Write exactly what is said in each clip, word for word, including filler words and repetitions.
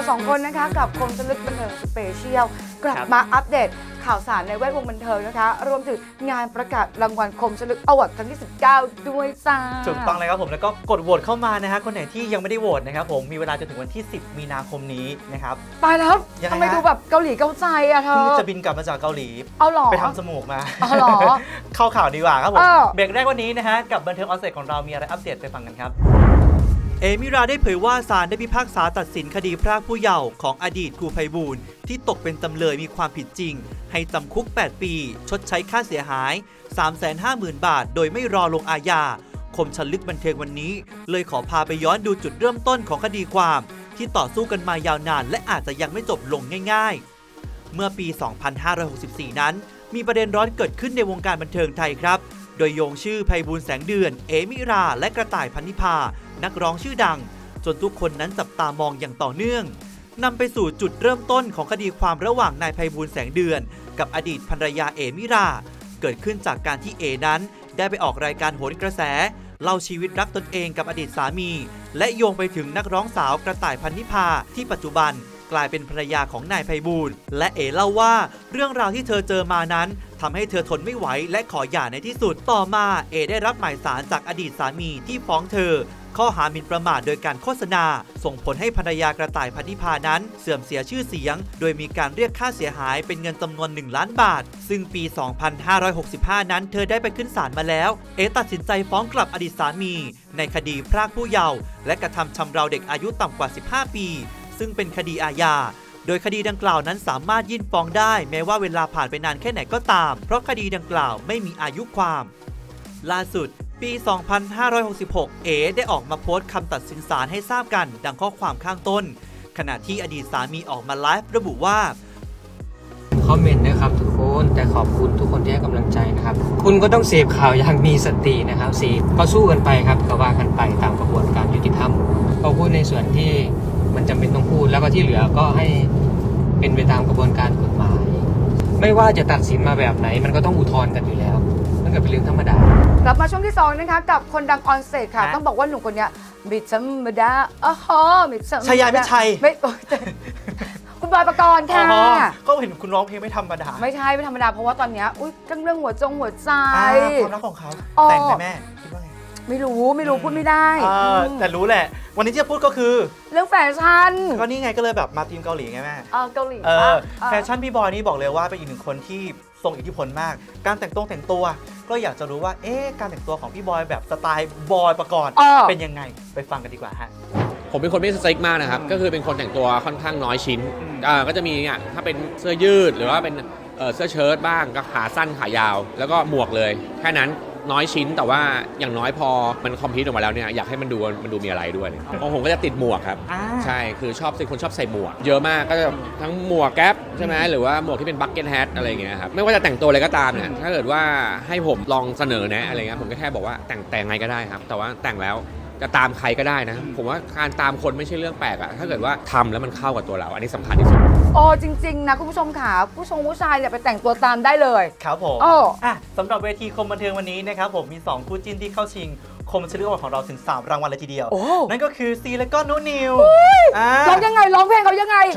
สองคนนะคะกับคมชลึกบันเทิงสเปเชียลกลับมาอัปเดตข่าวสารในแวดวงบันเทิงนะคะรวมถึงงานประกาศรางวัลคมชลึกอวอร์ดครั้งที่สิบเก้าด้วยจ้าถูกต้องเลยครับผมแล้วก็กดโหวตเข้ามานะฮะคนไหนที่ยังไม่ได้โหวตนะครับผมมีเวลาจนถึงวันที่สิบมีนาคมนี้นะครับตายแล้วทำไมดูแบบเกาหลีเกาใจอะเธอพี่จะบินกลับมาจากเกาหลีเอาหรอไปทำจมูกมาเอาหรอเข้าข่าวดีกว่าครับผมเบรกแรกวันนี้นะฮะกับบันเทิงออนเซ็ตของเรามีอะไรอัปเดตไปฟังกันครับเอมิราได้เผยว่าศาลได้พิพากษาตัดสินคดีพรากผู้เยาว์ของอดีตครูไพบูลย์ที่ตกเป็นจำเลยมีความผิดจริงให้จำคุกแปดปีชดใช้ค่าเสียหาย สามแสนห้าหมื่น บาทโดยไม่รอลงอาญาคมชลึกบันเทิงวันนี้เลยขอพาไปย้อนดูจุดเริ่มต้นของคดีความที่ต่อสู้กันมายาวนานและอาจจะยังไม่จบลงง่ายๆเมื่อปี สองพันห้าร้อยหกสิบสี่ นั้นมีประเด็นร้อนเกิดขึ้นในวงการบันเทิงไทยครับโดยโยงชื่อไพบูลย์แสงเดือนเอมิราและกระต่ายพันนิพานักร้องชื่อดังจนทุกคนนั้นจับตามองอย่างต่อเนื่องนำไปสู่จุดเริ่มต้นของคดีความระหว่างนายไพบูลย์แสงเดือนกับอดีตภรรยาเอมิราเกิดขึ้นจากการที่เอนั้นได้ไปออกรายการโหนกระแสเล่าชีวิตรักตนเองกับอดีตสามีและโยงไปถึงนักร้องสาวกระต่ายพันนิพาที่ปัจจุบันกลายเป็นภรรยาของนายไพบูลย์และเอเล่าว่าเรื่องราวที่เธอเจอมานั้นทำให้เธอทนไม่ไหวและขอหย่าในที่สุดต่อมาเอได้รับหมายสารจากอดีตสามีที่ฟ้องเธอข้อหาหมิ่นประมาทโดยการโฆษณาส่งผลให้ภรรยากระต่ายพันนิพานั้นเสื่อมเสียชื่อเสียงโดยมีการเรียกค่าเสียหายเป็นเงินจำนวนหนึ่งล้านบาทซึ่งปี สองพันห้าร้อยหกสิบห้า นั้นเธอได้ไปขึ้นศาลมาแล้วเอตัดสินใจฟ้องกลับอดีตสามีในคดีพรากผู้เยาว์และกระทำชำเราเด็กอายุต่ำกว่าสิบห้าปีซึ่งเป็นคดีอาญาโดยคดีดังกล่าวนั้นสามารถยื่นฟ้องได้แม้ว่าเวลาผ่านไปนานแค่ไหนก็ตามเพราะคดีดังกล่าวไม่มีอายุความล่าสุดปี สองพันห้าร้อยหกสิบหก เอ๋ได้ออกมาโพสต์คำตัดสินศาลให้ทราบกันดังข้อความข้างต้นขณะที่อดีตสามีออกมาไลฟ์ระบุว่าคอมเมนต์นะครับทุกคนแต่ขอบคุณทุกคนที่ให้กำลังใจนะครับคุณก็ต้องเสพข่าวอย่างมีสตินะครับเสพก็สู้กันไปครับก็ว่ากันไปตามกระบวนการยุติธรรมก็พูดในส่วนที่มันจำเป็นต้องพูดแล้วก็ที่เหลือก็ให้เป็นไปตามกระบวนการกฎหมายไม่ว่าจะตัดสินมาแบบไหนมันก็ต้องอุทธรณ์กันอยู่แล้วมันก็เป็นเรื่องธรรมดากลับมาช่วงที่สองนะคะกับคนดังออนสเตจค่ะต้องบอกว่าหนุ่มคนนี้มิธรรมดาอ๋อฮะมิธรรมดาชัยยามิชัยไม่คุณบอยปกรณ์ค่ะก็เห็นคุณร้องเพลงไม่ธรรมดาไม่ใช่ไม่ธรรมดาเพราะว่าตอนนี้อุ้ยเรื่องหัวจงหัวใจความรักของเขาแต่งไหมแม่คิดว่าไงไม่รู้ไม่รู้พูดไม่ได้แต่รู้แหละวันนี้ที่จะพูดก็คือเรื่องแฟชั่นก็นี่ไงก็เลยแบบมาทีมเกาหลีไงแม่เออเกาหลีแฟชั่นพี่บอยนี่บอกเลยว่าเป็นอีกหนึ่งคนที่ทรงอิทธิพลมากการแต่งตัวแต่งตัวก็อยากจะรู้ว่าเอ๊ะการแต่งตัวของพี่บอยแบบสไตล์บอยปกรณ์เป็นยังไงไปฟังกันดีกว่าฮะผมเป็นคนไม่สตริกมากนะครับก็คือเป็นคนแต่งตัวค่อนข้างน้อยชิ้นอ่าก็จะมีเนี่ยถ้าเป็นเสื้อยืดหรือว่าเป็นเสื้อเชิ้ตบ้างก็ขาสั้นขายาวแล้วก็หมวกเลยแค่นั้นน้อยชิ้นแต่ว่าอย่างน้อยพอมันคอมพลีทออกมาแล้วเนี่ยอยากให้มันดูมันดูมีอะไรด้วยของผมก็จะติดหมวกครับใช่คือชอบเป็นคนชอบใส่หมวกเยอะมากก็จะทั้งหมวกแก๊ปใช่ไหมหรือว่าหมวกที่เป็นบัคเก็ตแฮทอะไรอย่างเงี้ยครับไม่ว่าจะแต่งตัวอะไรก็ตามเนี่ยถ้าเกิดว่าให้ผมลองเสนอแนะอะไรเงี้ยผมก็แค่บอกว่าแต่งแต่งไงก็ได้ครับแต่ว่าแต่งแล้วจะตามใครก็ได้นะผมว่าการตามคนไม่ใช่เรื่องแปลกอะถ้าเกิดว่าทำแล้วมันเข้ากับตัวเราอันนี้สำคัญที่สุดโอ้จริงๆนะคุณผู้ชมค่ะผู้ชมผู้ชายเนี่ยไปแต่งตัวตามได้เลยครับผมโอ้อ่ะสำหรับเวทีคมบันเทิงวันนี้นะครับผมมีสองคู่จิ้นที่เข้าชิงคมชลึกอวอร์ดของเราถึงสามรางวัลเลยทีเดียวนั่นก็คือซีและก็นุนิวร้องยังไงร้องเพลงเขายังไง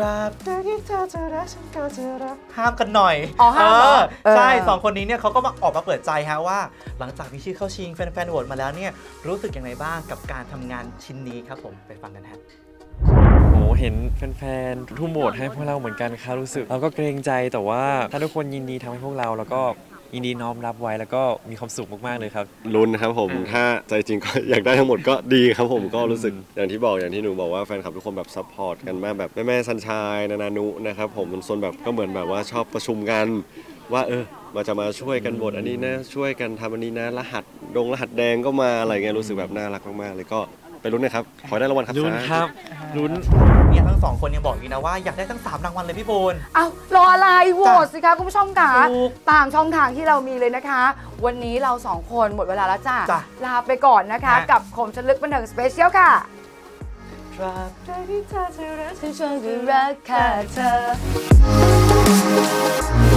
ห้ามกันหน่อยอ๋อห้ามใช่สองคนนี้เนี่ยเขาก็มาออกมาเปิดใจฮะว่าหลังจากมีชื่อเข้าชิงแฟนๆโหวตมาแล้วเนี่ยรู้สึกยังไงบ้างกับการทำงานชิ้นนี้ครับผมไปฟังกันฮะโอ้เห็นแฟนๆทุ่มโหวตให้พวกเราเหมือนกันครับรู้สึกเราก็เกรงใจแต่ว่าถ้าทุกคนยินดีทำให้พวกเราแล้วก็ยินดีน้อมรับไว้แล้วก็มีความสุขมากๆเลยครับลุ้นครับผมถ้าใจจริงก็อยากได้ทั้งหมดก็ดีครับผมก็รู้สึกอย่างที่บอกอย่างที่หนูบอกว่าแฟนคลับทุกคนแบบซัพพอร์ตกันมากแบบแม่ๆซันชายนานานุนะครับผมมันโซนแบบก็เหมือนแบบว่าชอบประชุมกันว่าเออมาจะมาช่วยกันบทอันนี้นะช่วยกันทำอันนี้นะรหัสดงรหัสแดงก็มาอะไรเงี้ยรู้สึกแบบน่ารักมากๆเลยก็ไปลุ้นนะครับขอได้รางวัลครับลุ้นครับลุ้นเนี่ยทั้งสองคนยังบอกอีกนะว่าอยากได้ทั้งสามรางวัลเลยพี่โบนอ้าวรออะไรโหวตสิคะคุณผู้ชมค่ะตามช่องทางที่เรามีเลยนะคะวันนี้เราสองคนหมดเวลาแล้วจ้าลาไปก่อนนะคะกับคมชลึกบันเทิงสเปเชียลค่ะตราบใดที่เธอจะรักฉันจะรักแค่เธอ